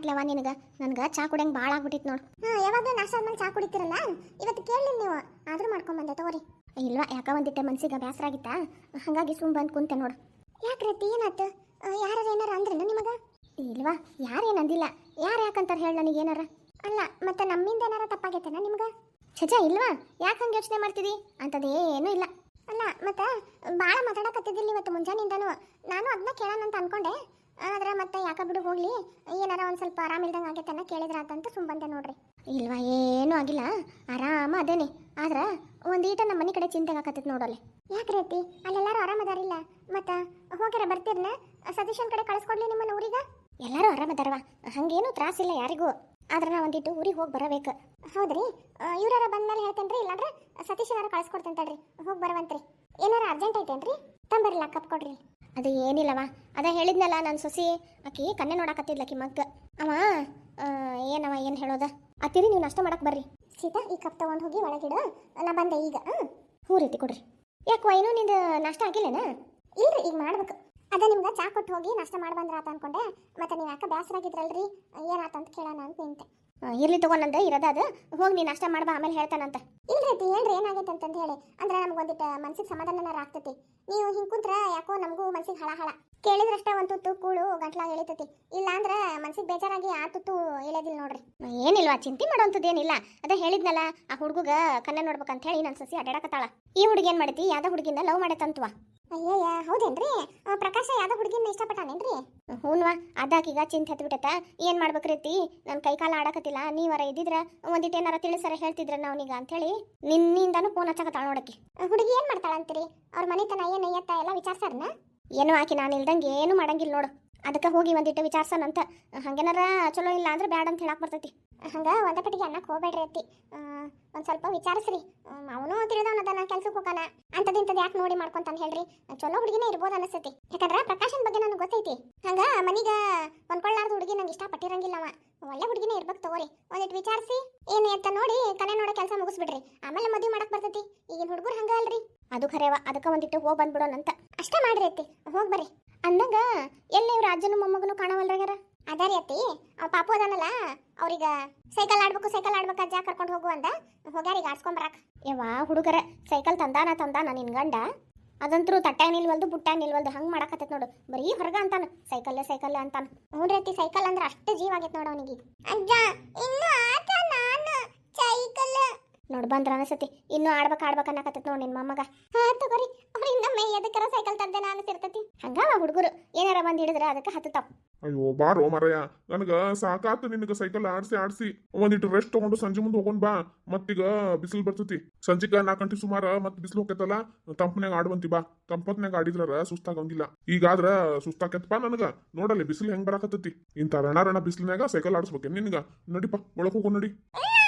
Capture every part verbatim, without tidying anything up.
ಹಾಕ್ಲವ ನಿನಗೆ ನನಗೆ ಚಾ ಕುಡಿಯಂಗೆ ಭಾಳ ಆಗ್ಬಿಟ್ಟಿತ್ತು ನೋಡು. ಹಾಂ ಯಾವಾಗ ನಾಷ್ಟ ಆದ್ಮೇಲೆ ಚಾ ಕುಡಿತೀರಲ್ಲ ಇವತ್ತು ಕೇಳಲಿ ನೀವು ಆದರೂ ಮಾಡ್ಕೊಂಬಂದೆ ತಗೋರಿ. ಇಲ್ವಾ ಯಾಕ ಒಂದಿಟ್ಟೆ ಮನ್ಸಿಗೆ ಬೇಸರ ಆಗಿತ್ತಾ ಹಾಗಾಗಿ ಸುಮ್ ಬಂದು ಕುಂತೆ ನೋಡು. ಯಾಕೆ ರೀತಿ ಏನಾಯ್ತು? ಯಾರು ಏನಾರ ಅಂದ್ರೇನು ನಿಮಗೆ? ಇಲ್ವಾ ಯಾರೇನು ಅಂದಿಲ್ಲ. ಯಾರು ಯಾಕಂತಾರೆ ಹೇಳಿ ನನಗೆ ಏನಾರ? ಅಲ್ಲ ಮತ್ತೆ ನಮ್ಮಿಂದ ಏನಾರ ತಪ್ಪಾಗೈತೆನಾ ನಿಮ್ಗೆ? ಛಜ ಇಲ್ವಾ ಯಾಕೆ ಹಂಗೆ ಯೋಚನೆ ಮಾಡ್ತಿದ್ದಿ ಅಂಥದ್ದೇನೂ ಇಲ್ಲ. ಅಲ್ಲ ಮತ್ತೆ ಭಾಳ ಮಾತಾಡಕತ್ತಿದ್ದಿಲ್ಲ ಇವತ್ತು ಮುಂಜಾನಿಂದನೂ. ನಾನು ಅದನ್ನ ಕೇಳೋಣ ಅಂತ ಅನ್ಕೊಂಡೆ, ಆದ್ರೆ ಮತ್ತೆ ಯಾಕೆ ಬಿಡು ಹೋಗ್ಲಿ ಏನಾರ ಒಂದು ಸ್ವಲ್ಪ ಆರಾಮಿಲ್ದಂಗೆ ಆಗೈತನ್ನ ಕೇಳಿದ್ರ ಅಂತಂತ ಸುಮ್ ಬಂದೆ ನೋಡ್ರಿ. ಇಲ್ವಾ ಏನೂ ಆಗಿಲ್ಲ, ಆರಾಮ ಅದೇನೆ. ಆದ್ರೆ ಒಂದೀಟ ನಮ್ಮ ಮನೆ ಕಡೆ ಚಿಂತೆ ಆಕತ್ತೈತೆ ನೋಡಲ್ಲಿ. ಯಾಕೆ ರೀತಿ ಅಲ್ಲೆಲ್ಲರೂ ಆರಾಮದಾರಿಲ್ಲ? ಮತ್ತೆ ಹೋಗ್ಯಾರ ಬರ್ತೀರನ? ಸತೀಶನ್ ಕಡೆ ಕಳಿಸ್ಕೊಡ್ಲಿ ನಿಮ್ಮನ್ನ ಊರಿಗೆ? ಎಲ್ಲರೂ ಆರಾಮದಾರವ, ಹಂಗೇನು ತ್ರಾಸಿಲ್ಲ ಯಾರಿಗೂ. ಆದ್ರೆ ನಾ ಒಂದಿಟ್ಟು ಊರಿಗೆ ಹೋಗಿ ಬರಬೇಕು. ಹೌದ್ರಿ, ಇವ್ರಾರ ಬಂದ್ಮೇಲೆ ಹೇಳ್ತೇನ್ರಿ, ಇಲ್ಲಾಂದ್ರೆ ಸತೀಶನಾರ ಕಳಿಸ್ಕೊಡ್ತೇನೆ ತಡ್ರಿ, ಹೋಗಿ ಬರವಂತ್ರಿ. ಏನಾರ ಅರ್ಜೆಂಟ್ ಐತೇನ್ರಿ? ತಂಬರಿಲ್ಲ ಕಪ್ ಕೊಡ್ರಿ. ಅದು ಏನಿಲ್ಲವ, ಅದ ಹೇಳಿದ್ನಲ್ಲ ನನ್ನ ಸೊಸಿ ಆಕಿ ಕನ್ನೆ ನೋಡಾಕತ್ತಿದ್ಲಕಿ ಮಗ್ಗ. ಅವ ಏನವ ಏನು ಹೇಳೋದ ಅತ್ತಿರಿ, ನೀವು ನಾಷ್ಟ ಮಾಡಕ್ಕೆ ಬರ್ರಿ. ಸೀತಾ ಈ ಕಪ್ ತಗೊಂಡು ಹೋಗಿ ಒಳಗಿಡು, ನಾ ಬಂದೆ ಈಗ. ಹ್ಞೂ ರೀತಿ ಕೊಡ್ರಿ. ಯಾಕೋ ಏನೋ ನಿಂದು ನಾಷ್ಟ ಆಗಿಲ್ಲೇನ? ಇಲ್ರಿ ಈಗ ಮಾಡ್ಬೇಕು. ಅದ ನಿಮ್ಗೆ ಚಾ ಕೊಟ್ಟು ಹೋಗಿ ನಾಷ್ಟ ಮಾಡಿ ಬಂದ್ರ ಆತ ಅನ್ಕೊಂಡೆ, ಮತ್ತೆ ನೀವು ಯಾಕೆ ಬೇಸರಾಗಿದ್ರಲ್ರಿ ಏನಾತಂತ ಕೇಳೋಣ ಅಂತ ನಿಂತೆ. ಇರ್ಲಿ ತಗೊಂಡಂದೆ ಇರೋದ ಅದು, ಹೋಗಿ ನೀನು ನಾಷ್ಟ ಮಾಡ್ಬಾ ಆಮೇಲೆ ಹೇಳ್ತಾನಂತ. ಇಲ್ರಿ ಏನ್ರಿ ಏನಾಗೈತೆ ಅಂತಂದು ಹೇಳಿ ಅಂದ್ರೆ ನಮ್ಗೆ ಒಂದಿಟ್ಟು ಮನ್ಸಿಗೆ ಸಮಾಧಾನನಾರ ಆಗ್ತೈತಿ. ನೀವು ಹಿಂಗೆ ಕುಂತ್ರ ಯಾಕೋ ನಮಗೂ ಮನ್ಸಿಗೆ ಹಳ ಹಳ ಕೇಳಿದ್ರಷ್ಟೇ ಒಂದು ತುತ್ತು ಕೂಳು ಗಂಟ್ಲಾಗ ಎಳಿತೈತಿ, ಇಲ್ಲ ಅಂದ್ರೆ ಮನ್ಸಿಗೆ ಬೇಜಾರಾಗಿ ಆ ತುತ್ತು ಎಳೆದಿಲ್ಲ ನೋಡ್ರಿ. ಏನಿಲ್ವಾ ಚಿಂತೆ ಮಾಡೋಂಥದ್ದು ಏನಿಲ್ಲ. ಅದ ಹೇಳಿದ್ನಲ್ಲ ಆ ಹುಡುಗ ಕನ್ನ ನೋಡ್ಬೇಕಂತ ಹೇಳಿ ನನ್ನ ಸಸಿ ಅಡ್ಡಾಡಕತ್ತಾಳ. ಈ ಹುಡುಗಿ ಏನ್ ಮಾಡೈತಿ ಯಾವ್ದೋ ಹುಡುಗಿನ ಲವ್ ಮಾಡೈತಂತವಾ. ಅಯ್ಯಯ್ಯ ಹೌದೇನ್ರಿ? ಪ್ರಕಾಶ ಯಾವ್ದೋ ಹುಡುಗಿನ ಇಷ್ಟಪಟ್ಟಾನೇನ್ರಿ? ಹೂನ್ವಾ ಅದಾಕೀಗ ಚಿಂತೆ ಹತ್ಬಿಟ್ಟತ. ಏನ್ ಮಾಡ್ಬೇಕ್ರೀತಿ ನನ್ನ ಕೈ ಕಾಲ ಆಡಕತ್ತಿಲ್ಲ, ನೀವರ ಇದ್ದಿದ್ರ ಒಂದಿಟ್ಟು ಏನಾರ ತಿಳಿಸರ ಹೇಳ್ತಿದ್ರ ನಾವೀಗ ಅಂತ ಹೇಳಿ ನಿನ್ನಿಂದಾನು ಫೋನ್ ಹಚ್ಚಕತ್ತಾಳ ನೋಡಕ್ಕೆ. ಹುಡುಗಿ ಏನ್ ಮಾಡ್ತಾಳ ಅಂತೀರಿ? ಅವ್ರ ಮನೆತನ ಏನ್ ಎತ್ತ ಎಲ್ಲ ವಿಚಾರಿಸಾರನ? ಏನು ಆಕಿ ನಾನು ಇಲ್ದಂಗೆ ಏನು ಮಾಡಂಗಿಲ್ಲ ನೋಡು. ಅದಕ್ಕೆ ಹೋಗಿ ಒಂದಿಟ್ಟು ವಿಚಾರ್ಸನಂತ. ಹಂಗೇನಾರ ಚಲೋ ಇಲ್ಲ ಅಂದ್ರೆ ಬ್ಯಾಡ ಅಂತ ಹೇಳಕ್ ಬರ್ತೈತಿ. ಹಂಗ ಒಂದ ಪಟ್ಟಿಗೆ ಅನ್ನಕ್ಕೆ ಹೋಗ್ಬೇಡ್ರಿ ಅತ್ತಿ, ಒಂದ್ ಸ್ವಲ್ಪ ವಿಚಾರಿಸ್ರಿ. ಅವನು ತಿಳಿದವನದನ ಕೆಲ್ಸಕ್ಕೆ ಹೋಗಾನ ಅಂತದಿಂತದ್ ಯಾಕೆ ನೋಡಿ ಮಾಡ್ಕೊಂತಾನೆ ಹೇಳ್ರಿ. ಚಲೋ ಹುಡುಗಿನೇ ಇರ್ಬೋದು ಅನಿಸ್ತೈತಿ, ಯಾಕಂದ್ರೆ ಪ್ರಕಾಶನ್ ಬಗ್ಗೆ ನನಗೆ ಗೊತ್ತೈತಿ. ಹಂಗ ಮನೀಗ ಹೊಂದ್ಕೊಳ್ಳಾರ್ದು ಹುಡುಗಿ ನಂಗೆ ಇಷ್ಟ ಪಟ್ಟಿರಂಗಿಲ್ಲವ. ಒಳ್ಳೆ ಹುಡುಗಿನೇ ಇರ್ಬೇಕು ತಗೋರಿ. ಒಂದಿಟ್ಟು ವಿಚಾರಿಸಿ ಏನು ಅಂತ ನೋಡಿ ಕನೆ ನೋಡೋ ಕೆಲಸ ಮುಗಿಸ್ಬಿಡ್ರಿ, ಆಮೇಲೆ ಮದುವೆ ಮಾಡಕ್ ಬರ್ತೈತಿ. ಈಗಿನ ಹುಡುಗರು ಹಂಗ ಅಲ್ರಿ. ಅದು ಖರೇವ, ಅದಕ್ಕೆ ಒಂದಿಟ್ಟು ಹೋಗಿ ಬಂದ್ಬಿಡೋಣಂತ ಅಷ್ಟೇ ಮಾಡ್ರಿ ಅತ್ತಿ, ಹೋಗಿ ಬರ್ರಿ. ಅಂದಂಗ ಎಲ್ಲ ಇವ್ರ ಅಜ್ಜನು ಮೊಮ್ಮಗನು ಕಾಣವಲ್ರಾಗ್ಯಾರ. ಅದಾರಿ ಅತ್ತಿ, ಪಾಪು ಅದಾನಲ್ಲ ಅವ್ರೀಗ ಸೈಕಲ್ ಆಡ್ಬೇಕು ಸೈಕಲ್ ಆಡ್ಬೇಕು ಅಜ್ಜ ಕರ್ಕೊಂಡು ಹೋಗು ಅಂದ ಹೋಗ್ಯಾರೀಗ ಆಡ್ಸ್ಕೊಂಡ್ ಬರಾಕ್. ಯವ್ವಾ ಹುಡುಗರ ಸೈಕಲ್ ತಂದಾನ ತಂದಾನ ನಿನ್ ಗಂಡ, ಅದಂತರೂ ತಟ್ಟಾಗ ನಿಲ್ವಲ್ದು ಬುಟ್ಟಾಗ ನಿಲ್ವಲ್ದು ಹಂಗೆ ಮಾಡಕತ್ತೈತೆ ನೋಡು. ಬರೀ ಹೊರಗ ಅಂತಾನ ಸೈಕಲ್ಲೇ ಸೈಕಲ್ಲೇ ಅಂತಾನ. ನೋಡ್ರಿ ಅತ್ತಿ ಸೈಕಲ್ ಅಂದ್ರೆ ಅಷ್ಟು ಜೀವ ಆಗೈತೆ ನೋಡ ಅವನಿಗೆ. ಅಜ್ಜ ಇನ್ನು ಆಟ ನಾನು ಸೈಕಲ್ ನೋಡ್ ಬಂದ್ರ ಅನಸತಿ ಇನ್ನು ಆಡ್ಬೇಕು ಆಡ್ಬೇಕು ಅನ್ನಕತ್ತೈತೆ ನೋಡಿ ನಿನ್ ಮೊಮ್ಮಗ. ಹಾ ತಗೋರಿ, ಅವ್ರಿಂದ ಮೈ ಎದಕ್ಕರ ಸೈಕಲ್ ತಂದೆ ನಾನು ಅನಿಸಿರ್ತೈತಿ. ಹಂಗವ ಹುಡುಗರು ಏನಾರ ಬಂದು ಹಿಡಿದ್ರೆ ಅದಕ್ಕೆ ಹತ್ತತಾವ್. ಅಯ್ಯೋ ಬಾರೋ ಮರಯ್ಯ, ನನಗ ಸಾಕಾತು ನಿನಗ ಸೈಕಲ್ ಆಡ್ಸಿ ಆಡ್ಸಿ. ಒಂದಿಟ್ಟು ರೆಸ್ಟ್ ತಗೊಂಡು ಸಂಜೆ ಮುಂದೆ ಹೋಗೋಣ ಬಾ. ಮತ್ತೀಗ ಬಿಸಿಲು ಬರ್ತೈತಿ, ಸಂಜಿಕ ನಾಲ್ಕು ಗಂಟೆ ಸುಮಾರ ಮತ್ ಬಿಸಿಲು ಹೋಗ್ತೈತಲ್ಲ, ತಂಪನ್ಯಾಗ ಆಡುವಂತಿ ಬಾ. ತಂಪತ್ನ್ಯಾಗ ಆಡಿದ್ರ ಸುಸ್ತಾಗಂಗಿಲ್ಲ. ಈಗಾದ್ರ ಸುಸ್ತಾಕೈತಪ್ಪ ನನಗ. ನೋಡಲ್ಲಿ ಬಿಸಿಲು ಹೆಂಗ್ ಬರಾಕತ್ತೈತಿ. ಇಂತ ರಣ ರಣ ಬಿಸಿಲಿನ್ಯಾಗ ಸೈಕಲ್ ಆಡಿಸ್ಬೇಕೆ ನಿನಗ? ನಡಿಪ ಒಳಗ್ ಹೋಗೋ ನಡಿ.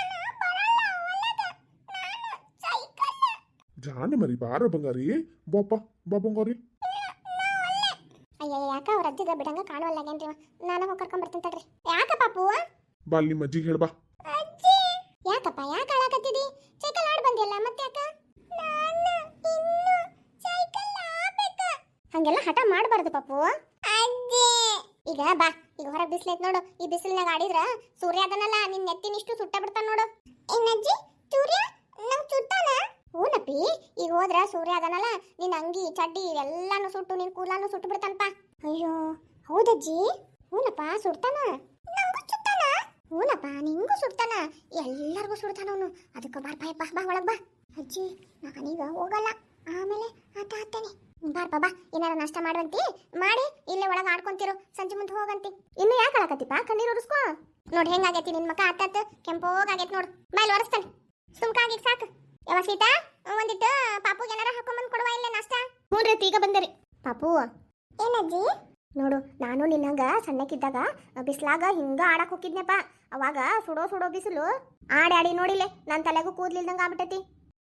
ಜಾನೆ ಮರಿ ಬಾರ ಬಂಗಾರಿ, ಬಾಪ ಬಾ ಬಂಗಾರಿ. ಅಯ್ಯ ಯಾಕ ಅವ್ರ ಅಜ್ಜಿಗ ಬಿಡಂಗ ಕಾಣುವಲ್ಲಾಗೇನ್ರಿ, ನಾನು ಹೋಗಿ ಕರ್ಕೊಂಡ್ ಬರ್ತೀನಿ ತಡ್ರಿ. ಯಾಕ ಪಾಪು? ಬಾ ಅಲ್ಲಿ ನಿಮ್ಮ ಅಜ್ಜಿಗೆ ಹೇಳ್ಬಾ. ಅಜ್ಜಿ ಯಾಕಪ್ಪ ಯಾಕೆ ಆಡಕತ್ತಿದಿ? ಸೈಕಲ್ ಆಡ್ ಬಂದಿಯಲ್ಲ ಮತ್ತೆ ಯಾಕ? ನಾನು ಇನ್ನು ಸೈಕಲ್ ಆಡಬೇಕ. ಹಂಗೆಲ್ಲ ಹಠ ಮಾಡಬಾರ್ದು ಪಾಪು. ಅಜ್ಜಿ ಈಗ ಬಾ, ಈಗ ಹೊರಗೆ ಬಿಸಿಲೈತ್ ನೋಡು. ಈ ಬಿಸಿಲಿನಾಗ ಆಡಿದ್ರ ಸೂರ್ಯ ಅದನ್ನಲ್ಲ ನಿನ್ನ ನೆತ್ತಿನಿಷ್ಟು ಸುಟ್ಟ ಬಿಡ್ತಾನ ನೋಡು. ಏನಜ್ಜಿ ಸೂರ್ಯ ನಂಗೆ ಸುಟ್ಟಾನ? ಹೂನಪ್ಪಿ, ಈಗ ಹೋದ್ರ ಸೂರ್ಯ ಅದನಲ್ಲ ನಿನ್ನ ಅಂಗಿ ಚಡ್ಡಿ ಎಲ್ಲಾನು ಸುಟ್ಟು ನಿನ್ ಕೂಲಾನು ಸುಟ್ಟು ಬಿಡ್ತಾನಪ್ಪ. ಅಯ್ಯೋ ಹೌದಜ್ಜಿ? ಹೂನಪ್ಪ ಸುಡ್ತಾನ. ನಂಗೂ ಸುಡ್ತಾನ? ಹೂನಪ್ಪ ನಿಂಗೂ ಸುಡ್ತಾನ, ಎಲ್ಲರಿಗೂ ಸುಡ್ತಾನ ಅವನು. ಅದಕ್ಕೆ ಬಾರ್ ಬಾಯ್ ಬಾ ಬಾ ಒಳಗ್ ಬಾ. ಅಜ್ಜಿ ನಾನೀಗ ಹೋಗಲ್ಲ, ಆಮೇಲೆ ಆಟ ಆಡ್ತೇನೆ. ಬಾರ್ಪ ಬಾ, ಏನಾರ ನಾಷ್ಟ ಮಾಡುವಂತಿ ಮಾಡಿ ಇಲ್ಲೇ ಒಳಗೆ ಆಡ್ಕೊಂತಿರು, ಸಂಜೆ ಮುಂದೆ ಹೋಗಂತಿ. ಇನ್ನು ಯಾಕೆ ಆಳಕತ್ತಿಪ್ಪ? ಕಣ್ಣೀರು ಉರಿಸ್ಕೋ. ನೋಡಿ ಹೆಂಗಾಗೈತಿ ನಿನ್ ಮಕ್ಕ ಆತಾತ ಕೆಂಪೋಗಾಗೈತಿ ನೋಡು. ಬಾಯ್ ಒರೆಸ್ತಾನೆ ಸುಮ್ಕಾಗಿ ಸಾಕು. ಯಾವ ಸೀತಾ ಒಂದಿಟ್ಟು ಪಾಪುಗೆ ಏನಾರ ಹಾಕೊಂಬಂದು ಕೊಡುವ ಇಲ್ಲೇ ನಾಷ್ಟ. ಹ್ಞೂ ರೀ ಈಗ ಬಂದರಿ. ಪಾಪು ಏನಜ್ಜಿ? ನೋಡು ನಾನು ನಿನ್ನಂಗ ಸಣ್ಣಕ್ಕಿದ್ದಾಗ ಬಿಸ್ಲಾಗ ಹಿಂಗ ಆಡಕ್ ಹೋಗಿದ್ನಪ್ಪ. ಅವಾಗ ಸುಡೋ ಸುಡೋ ಬಿಸಿಲು ಆಡಿ ಆಡಿ ನೋಡಿಲೆ ನನ್ನ ತಲೆಗೂ ಕೂದ್ಲಿಲ್ದಂಗ ಆಗ್ಬಿಟ್ಟೈತಿ.